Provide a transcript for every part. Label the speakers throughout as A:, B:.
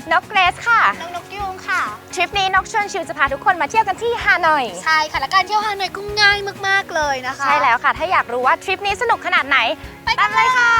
A: นกเกรซค่ะ
B: นกยุงค่ะ
A: ทริปนี้นกชวนชิวจะพาทุกคนมาเที่ยวกันที่ฮานอย
B: ใช่ค่ะและการเที่ยวฮานอยก็ง่ายมากๆเลยนะคะ
A: ใช่แล้วค่ะถ้าอยากรู้ว่าทริปนี้สนุกขนาดไหนไปกันเลยค่ะ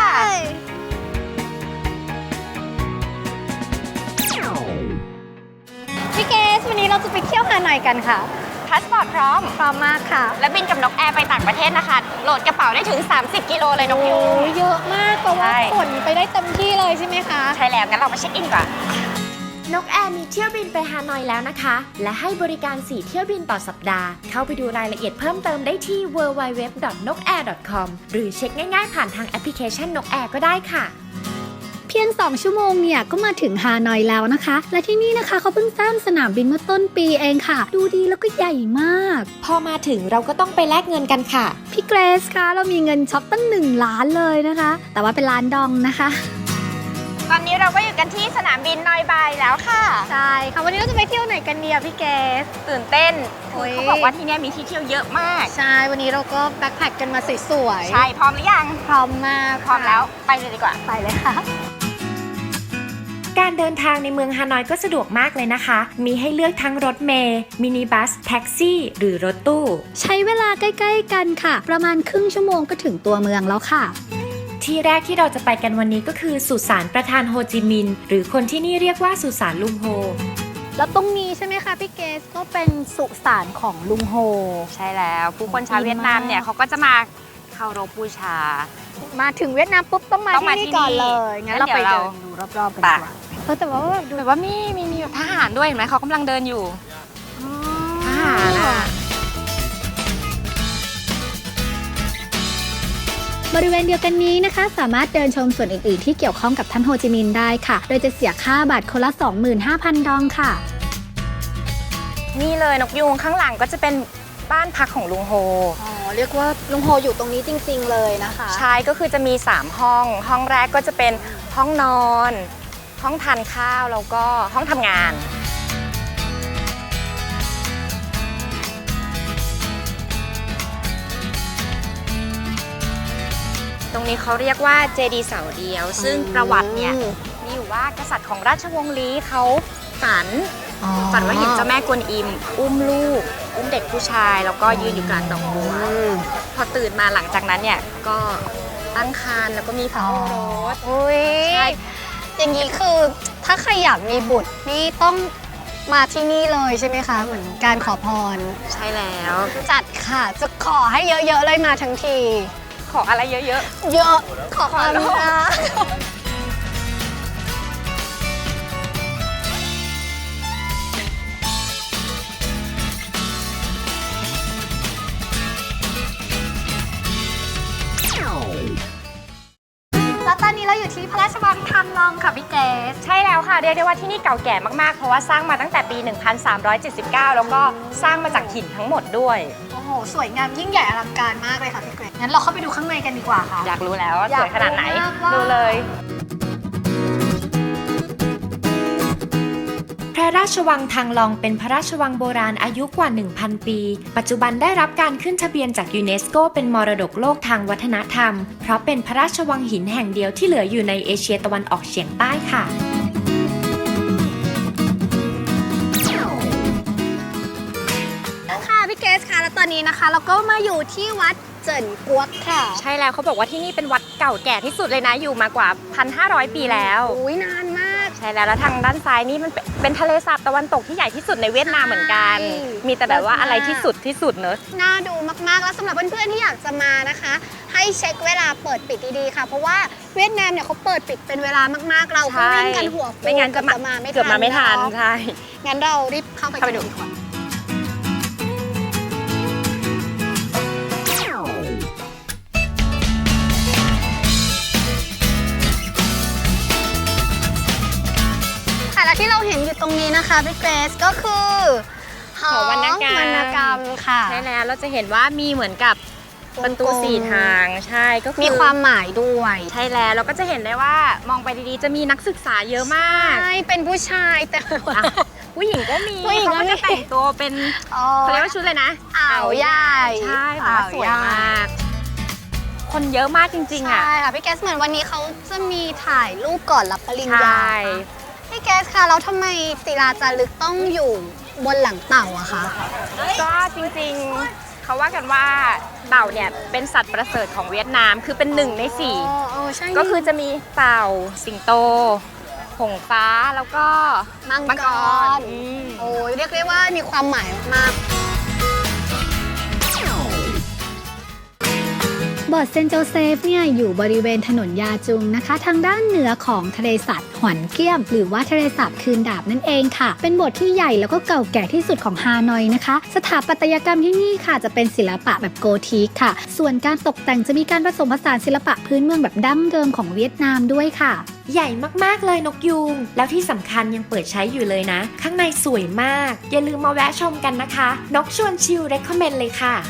B: พี่เกสวันนี้เราจะไปเที่ยวฮานอยกันค่ะ
A: พาสปอร์ตพร้อม
B: มากค่ะ
A: และบินกับนกแอร์ไปต่างประเทศนะคะโหลดกระเป๋าได้ถึง30กิโลเลยนกยูง
B: เยอะมากเพราะว่าขนไปได้เต็มที่เลยใช่ไหมคะ
A: ใช่แล้วงั้นเรามาเช็คอินก่อน
C: นกแอร์มีเที่ยวบินไปฮานอยแล้วนะคะและให้บริการ4เที่ยวบินต่อสัปดาห์เข้าไปดูรายละเอียดเพิ่มเติมได้ที่ www.nokair.com หรือเช็คง่ายๆผ่านทางแอปพลิเคชันนกแอร์ก็ได้ค่ะ
B: เพียง2ชั่วโมงเนี่ยก็มาถึงฮานอยแล้วนะคะและที่นี่นะคะเขาเพิ่งสร้างสนามบินเมื่อต้นปีเองค่ะดูดีแล้วก็ใหญ่มาก
C: พอมาถึงเราก็ต้องไปแลกเงินกันค่ะ
B: พี่เกรซคะเรามีเงินช็อปตั้ง1 ล้านเลยนะคะแต่ว่าเป็นล้านดองนะคะ
A: ตอนนี้เราก็อยู่กันที่สนามบินนอยบายแล้วค่ะ
B: ใช่ค่ะวันนี้เราจะไปเที่ยวไหนกันเนี่ยพี่เกส
A: ตื่นเต้นเขาบอกว่าที่นี่มีที่เที่ยวเยอะมาก
B: ใช่วันนี้เราก็แบ็คแพคกันมาสวย
A: ๆใช่พร้อมหรือยัง
B: พร้อมมาก
A: พร้อมแล้วไปเลยดีกว่า
B: ไปเลยค่ะ
C: การเดินทางในเมืองฮานอยก็สะดวกมากเลยนะคะมีให้เลือกทั้งรถเมล์มินิบัสแท็กซี่หรือรถตู้
B: ใช้เวลาใกล้ๆกันค่ะประมาณครึ่งชั่วโมงก็ถึงตัวเมืองแล้วค่ะ
C: ที่แรกที่เราจะไปกันวันนี้ก็คือสุสานประธานโฮจิมินห์หรือคนที่นี่เรียกว่าสุสานลุงโฮ
B: แล้วตรงนี้ใช่ไหมคะพี่เกสก็เป็นสุสานของลุงโฮ
A: ใช่แล้วผู้คนชาวเวียดนามเนี่ยเขาก็จะมาเคารพบูชา
B: มาถึงเวียดนามปุ๊บต้องมาที่นี่ก่อนเลยงั้นเราไปเดินดูรอบๆกันดีกว่าแต่ว่า
A: ดูแบบว่ามีแบบทหารด้วยเห็นไหมเขากำลังเดินอยู่ทหาร
B: บริเวณเดียวกันนี้นะคะสามารถเดินชมส่วนอื่นๆที่เกี่ยวข้องกับท่านโฮจิมินห์ได้ค่ะโดยจะเสียค่าบัตรคนละ 25,000 ดองค่ะ
A: นี่เลยนกยูงข้างหลังก็จะเป็นบ้านพักของลุงโฮ
B: เรียกว่าลุงโฮอยู่ตรงนี้จริงๆเลยนะคะ
A: ใช่ก็คือจะมี3ห้องแรกก็จะเป็นห้องนอนห้องทานข้าวแล้วก็ห้องทำงานตรงนี้เขาเรียกว่าเจดีย์เสาเดียวซึ่งประวัติเนี่ยมีอยู่ว่ากษัตริย์ของราชวงศ์ลี้เขาฝันว่าเห็นเจ้าแม่กวนอิมอุ้มลูกอุ้มเด็กผู้ชายแล้วก็ยืนอยู่กลางดอกบัวพอตื่นมาหลังจากนั้นเนี่ยก็ตั้งครรภ์แล้วก็มีพระโอรส
B: ใช่อย่างนี้คือถ้าใครอยากมีบุตรนี่ต้องมาที่นี่เลยใช่ไหมคะเหมือนการขอพร
A: ใช่แล้ว
B: จัดค่ะจะขอให้เยอะๆเลยมาทั้งที
A: ขออะไรเยอะๆ
B: เยอะขอความรักแล้วตอนนี้เราอยู่ที่พระราชวังทันลองค่ะพี่เกส
A: ใช่แล้วค่ะเรียกได้ว่าที่นี่เก่าแก่มากๆเพราะว่าสร้างมาตั้งแต่ปี 1379 แล้วก็สร้างมาจากหินทั้งหมดด้วย
B: โอ้โหสวยงามยิ่งใหญ่อลังการมากเลยค่ะพี่เกรซงั้นเราเข้าไปดูข้างในกันดีกว่าค่ะ
A: อยากรู้แล้วว่าสวยขนาดไหนดูเลย
C: พระราชวังทังลองเป็นพระราชวังโบราณอายุกว่า 1,000 ปีปัจจุบันได้รับการขึ้นทะเบียนจากยูเนสโกเป็นมรดกโลกทางวัฒนธรรมเพราะเป็นพระราชวังหินแห่งเดียวที่เหลืออยู่ในเอเชียตะวันออกเฉียงใต้ค่ะ
B: พี่เกสค่ะแล้วตอนนี้นะคะเราก็มาอยู่ที่วัดเจิ่นกวกค่ะ
A: ใช่แล้วเขาบอกว่าที่นี่เป็นวัดเก่าแก่ที่สุดเลยนะอยู่มากว่า 1,500 ปีแล้ว
B: อุ้ยนานมาก
A: ใช่แล้วทางด้านซ้ายนี่มันเป็นทะเลสาบตะวันตกที่ใหญ่ที่สุดในเวียดนามเหมือนกันมีแต่แบบว่าอะไรที่สุดเนอะ
B: น่าดูมากๆแล้วสำหรับเพื่อนๆที่อยากจะมานะคะให้เช็คเวลาเปิดปิดดีๆค่ะเพราะว่าเวียดนามเนี่ยเขาเปิดปิดเป็นเวลามากๆเราก็วิ่งกันหัวฟู
A: ไม่งั้นจะมาเกือบมาไม่ทันใช่
B: งั้นเรารีบเข้าไปดูดีกว่าและที่เราเห็นอยู่ตรงนี้นะคะพี่เกรซก็คือ
A: หอวรรณ
B: กรรมค่ะ
A: ใช่แล้วเราจะเห็นว่ามีเหมือนกับประตู4 ทางใช่ก็คือ
B: มีความหมายด้วย
A: ใช่แล้วเราก็จะเห็นได้ว่ามองไปดีๆจะมีนักศึกษาเยอะมาก
B: ใช่เป็นผู้ชายแต่
A: ผู้หญิงก็มีเขาก็จะแต่งตัวเป็นเขาเรียกว่าชุดเลยนะ
B: อ่าวใหญ่
A: ใช่สวยมากคนเยอะมากจริงๆอ่ะ
B: ใช่ค่ะพี่แกสเหมือนวันนี้เขาจะมีถ่ายรูปก่อนรับปริญญา
A: ใช่
B: พี่แกสคะแล้วทำไมศิลาจารึกต้องอยู่บนหลังเต่าอะคะ
A: ก็จริงๆเขาว่ากันว่าเต่าเนี่ยเป็นสัตว์ประเสริฐของเวียดนามคือเป็น1 ใน
B: ใช่
A: 4ก็คือจะมีเต่าสิงโตหงส์ฟ้าแล้วก็
B: มังกร
A: อืม
B: โอ้ยเรียกได้ว่ามีความหมายมาก โบสถ์เซนต์โจเซฟเนี่ยอยู่บริเวณถนนยาจุงนะคะ ทางด้านเหนือของทะเลสาบหวนเกี้ยม หรือว่าทะเลสาบคืนดาบนั่นเองค่ะ เป็นโบสถ์ที่ใหญ่แล้วก็เก่าแก่ที่สุดของฮานอยนะคะ สถาปัตยกรรมที่นี่ค่ะจะเป็นศิลปะแบบโกธิกค่ะ ส่วนการตกแต่งจะมีการผสมผสานศิลปะพื้นเมืองแบบดั้งเดิมของเวียดนามด้วยค่ะ
C: ใหญ่มากๆเลยนกยูงแล้วที่สำคัญยังเปิดใช้อยู่เลยนะ ข้างในสวยมาก อย่าลืมมาแวะชมกันนะคะ นกชวนชิลเรคคอมเมนต์เลยค่ะ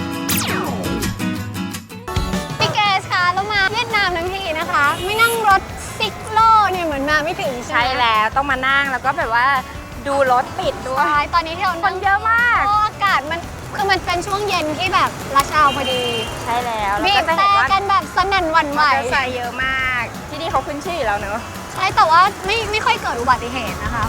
B: พี่เกสคะเรามาเวียดนามทั้งทีนะคะ ไม่นั่งรถซิกโลเนี่ยเหมือนมาไม่ถึง
A: ใช่
B: ไหม
A: แล้วต้องมานั่งแล้วก็แบบว่าดูรถติดด้วย
B: ใช่ตอนนี้ที่เรา
A: คนเยอะมาก
B: เพราะอากาศมันคือมันเป็นช่วงเย็นที่แบบราชาวพอดี
A: ใช่แล้วแล้ว
B: บี
A: ก็
B: บ
A: จะ
B: แต่
A: เห็นว่า
B: กันแบบสนั่นหวั่นไหว
A: มอเตอร์ไซค์เยอะมาก ที่นี่เขาขึ้นชื่ออยู่แล้วเนอะ
B: ใช่แต่ว่าไม่ค่อยเกิดอุบัติเหตุนะคะ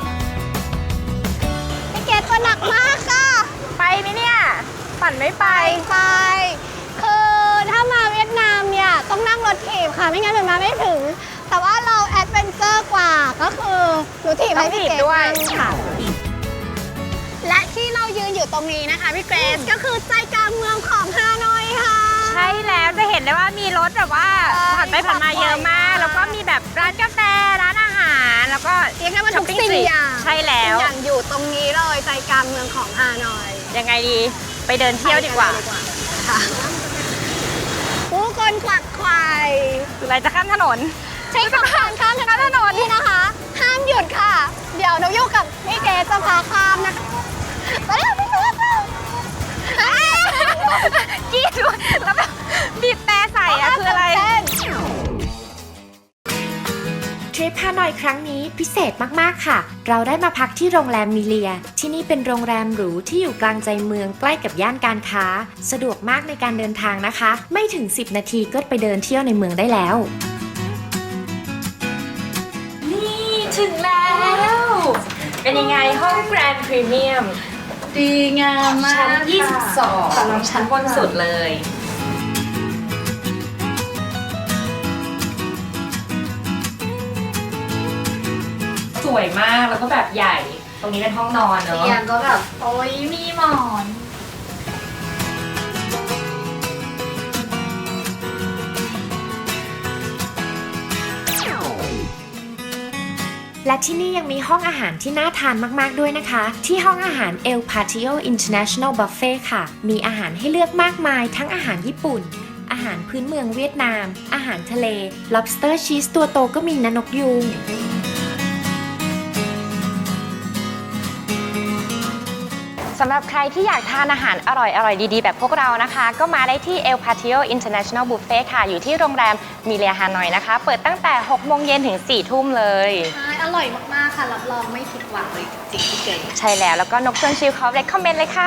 B: พี่เกดตัวหนักมากค่ะ
A: ไปไหมเนี่ย ปั่นไม่ไป
B: ไปคือถ้ามาเวียดนามเนี่ยต้องนั่งรถถีบค่ะไม่งั้นมันมาไม่ถึง แต่ว่าเราแอดเวนเจอร์กว่าก็คือหนูถีบให้พี่เกด
A: ต้องถีบด้วย
B: นั่งค่ะ และที่เรายืนอยู่ตรงนี้นะคะพี่เกรซก็คือใจกลางเมืองของฮานอยค่ะ
A: ใช่แล้วจะเห็นได้ว่ามีรถแบบว่าผ่านไปผ่านมาเยอะมาก แล้วก็มีแบบร้านกาแฟร้านอาหารแล้วก็
B: เรียกได้ว่าทุก
A: ช้อปปิ้
B: สิ่งอย่าง
A: ใช่แล้ว
B: ทุกอย่างอยู่ตรงนี้เลยใจกลางเมืองของฮานอย
A: ยังไงดีไปเดินเที่ยวดีกว่า
B: ค่ะผู้คนขวักไขว่
A: คืออะไรจะข้ามถนน
B: ใช้คำข้ามถนนนี่นะคะ ห้ามหยุดค่ะ เดี๋ยวเราอยู่กับพี่เกรซจะพาข้ามนะคะไปแล้วพี่เกรซ
A: กรีดด้วยแล้วแบบบีบแต่ใส่อะคืออะไร
C: ทริปฮานอยครั้งนี้พิเศษมากๆค่ะ เราได้มาพักที่โรงแรมมิเลีย ที่นี่เป็นโรงแรมหรูที่อยู่กลางใจเมืองใกล้กับย่านการค้า สะดวกมากในการเดินทางนะคะ ไม่ถึง 10 นาทีก็ไปเดินเที่ยวในเมืองได้แล้ว นี่ถึงแล้ว เป็นยังไงห้องแกรนด์พรีเมียม
D: ดีงามมาก
C: ชั้น
D: ค่ะ
C: 22กำลังชั้นบนสุดเลย สวยมากแล้วก็แบบใหญ่ ตรงนี้เป็นห้องนอนเนอะ
D: เตียงก็แบบ โอ้ยมีหมอน
C: และที่นี่ยังมีห้องอาหารที่น่าทานมากๆด้วยนะคะ ที่ห้องอาหาร El Patio International Buffet ค่ะ มีอาหารให้เลือกมากมายทั้งอาหารญี่ปุ่น อาหารพื้นเมืองเวียดนาม อาหารทะเล lobster cheese ตัวโตก็มีนะนกยูง
A: สำหรับใครที่อยากทานอาหารอร่อยๆ ดีๆ แบบพวกเรานะคะ ก็มาได้ที่ El Patio International Buffet ค่ะ อยู่ที่โรงแรมมิเลียฮานอยนะคะ เปิดตั้งแต่ 6 โมงเย็นถึง 4 ทุ่มเลย
D: ใช่ อร่อยมาก ๆ ค่ะ รับรองไม่ผิดหวังเลยจริงๆพี่เก๋
A: ใช่แล้ว แล้วก็นกชวนชิลเขาเรคคอมเมนต์เลยค่ะ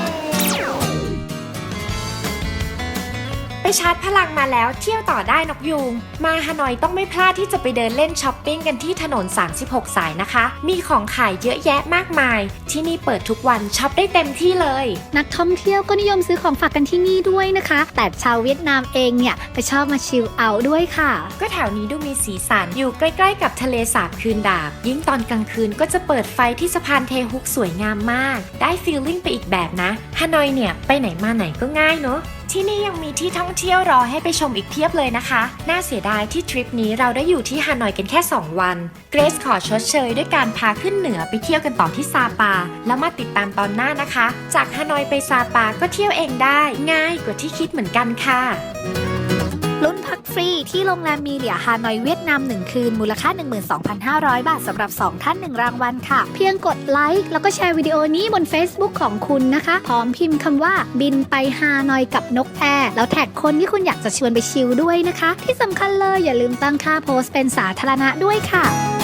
C: ไปชาร์จพลังมาแล้วเที่ยวต่อได้นกยูง มาฮานอยต้องไม่พลาดที่จะไปเดินเล่นช้อปปิ้งกันที่ถนน 36 สายนะคะ มีของขายเยอะแยะมากมาย ที่นี่เปิดทุกวันช็อปได้เต็มที่เลย
B: นักท่องเที่ยวก็นิยมซื้อของฝากกันที่นี่ด้วยนะคะ แต่ชาวเวียดนามเองเนี่ยไปชอบมาชิลเอาท์ด้วยค่ะ
C: ก็แถวนี้ดูมีสีสันอยู่ใกล้ๆกับทะเลสาบคืนดาบ ยิ่งตอนกลางคืนก็จะเปิดไฟที่สะพานเทฮุกสวยงามมาก ได้ฟีลลิ่งไปอีกแบบนะฮานอยเนี่ยไปไหนมาไหนก็ง่ายเนาะที่นี่ยังมีที่ท่องเที่ยวรอให้ไปชมอีกเพียบเลยนะคะ น่าเสียดายที่ทริปนี้เราได้อยู่ที่ฮานอยกันแค่ 2 วัน เกรซขอชดเชยด้วยการพาขึ้นเหนือไปเที่ยวกันต่อที่ซาปา แล้วมาติดตามตอนหน้านะคะ จากฮานอยไปซาปาก็เที่ยวเองได้ ง่ายกว่าที่คิดเหมือนกันค่ะ
B: ลุ้นพักฟรีที่โรงแรมมีเหลียฮานอยเวียดนาม 1 คืนมูลค่า 12,500 บาทสำหรับ 2 ท่าน 1 รางวัลค่ะ เพียงกดไลค์แล้วก็แชร์วิดีโอนี้บน Facebook ของคุณนะคะ พร้อมพิมพ์คำว่าบินไปฮานอยกับนกแอร์แล้วแท็กคนที่คุณอยากจะชวนไปชิลด้วยนะคะ ที่สำคัญเลยอย่าลืมตั้งค่าโพสต์เป็นสาธารณะด้วยค่ะ